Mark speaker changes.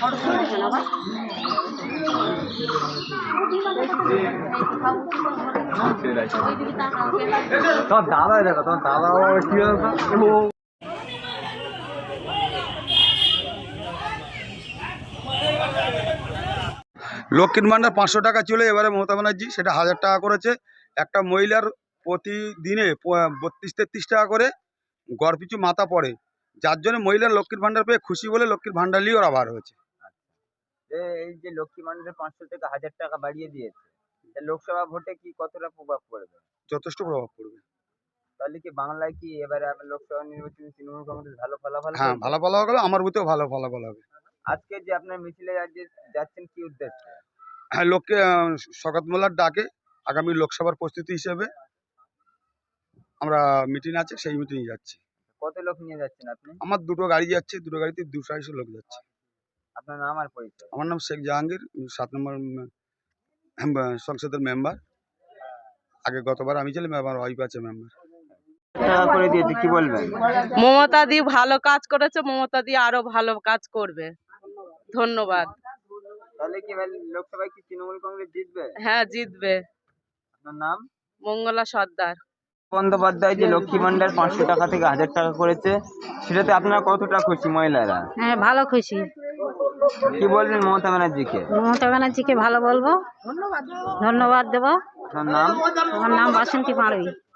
Speaker 1: তোমার দাদা দেখো, তোমার দাদা কি
Speaker 2: লক্ষ্মীর ভান্ডার 500 টাকা ছিল, এবারে মমতা ব্যানার্জি সেটা 1000 টাকা করেছে। একটা মহিলার প্রতিদিনে 32-33 টাকা করে গড় পিছু মাথা পড়ে, যার জন্য মহিলার লক্ষ্মীর ভান্ডার পেয়ে খুশি বলে লক্ষ্মীর ভান্ডার নিয়ে ওরা বার হয়েছে।
Speaker 1: এই যে লক্ষ্মী ভান্ডার 500 থেকে 1000 টাকা বাড়িয়ে দিয়েছে, লোকসভা ভোটে কি কতটা প্রভাব পড়বে?
Speaker 2: যথেষ্ট প্রভাব পড়বে।
Speaker 1: তাহলে কি বাংলায় কি এবারে লোকসভা নির্বাচনে তৃণমূল কংগ্রেস ভালো ফলাফল?
Speaker 2: হ্যাঁ, ভালো ফলাফল হবে, আমার বুথেও ভালো ফলাফল হবে।
Speaker 1: আজকে যে আপনার মিছিলে যাচ্ছেন কি উদ্দেশ্যে?
Speaker 2: হ্যাঁ, লোককে শওকত মোল্লার ডাকে আগামী লোকসভার প্রস্তুতি হিসেবে আমরা মিটিং আছে, সেই মিটিংয়ে যাচ্ছি।
Speaker 1: কত লোক নিয়ে যাচ্ছেন আপনি?
Speaker 2: আমার দুটো গাড়ি যাচ্ছে, দুটো গাড়িতে 250 লোক যাচ্ছে।
Speaker 1: আপনার নাম আর পরিচয়?
Speaker 2: আমার নাম শেখ জাহাঙ্গীর, 7 নম্বর সংসদের মেম্বার। আগে গতবার আমি ছিলাম, আমার ওয়াইফ আছে মেম্বার।
Speaker 1: টাকা করে দিয়েছে, কি বলবেন?
Speaker 3: মমতা দি ভালো কাজ করেছে, মমতা দি আরো ভালো কাজ করবে। ধন্যবাদ।
Speaker 1: তাহলে কি লোকসভায় কি তৃণমূল কংগ্রেস জিতবে?
Speaker 3: হ্যাঁ, জিতবে।
Speaker 1: আপনার নাম?
Speaker 3: মঙ্গলা সর্দার।
Speaker 1: বন্দ্যোপাধ্যায় যে লক্ষ্মী ভান্ডার 500 টাকা থেকে 1000 টাকা করেছে, সেটাতে আপনারা কতটা খুশি মহিলারা?
Speaker 4: হ্যাঁ, ভালো খুশি।
Speaker 1: কি বলবেন মমতা ব্যানার্জিকে?
Speaker 4: মমতা ব্যানার্জিকে ভালো বলবো, ধন্যবাদ দেবো।
Speaker 1: আপনার নাম?
Speaker 4: আমার নাম বাসন্তী পাড়ুই।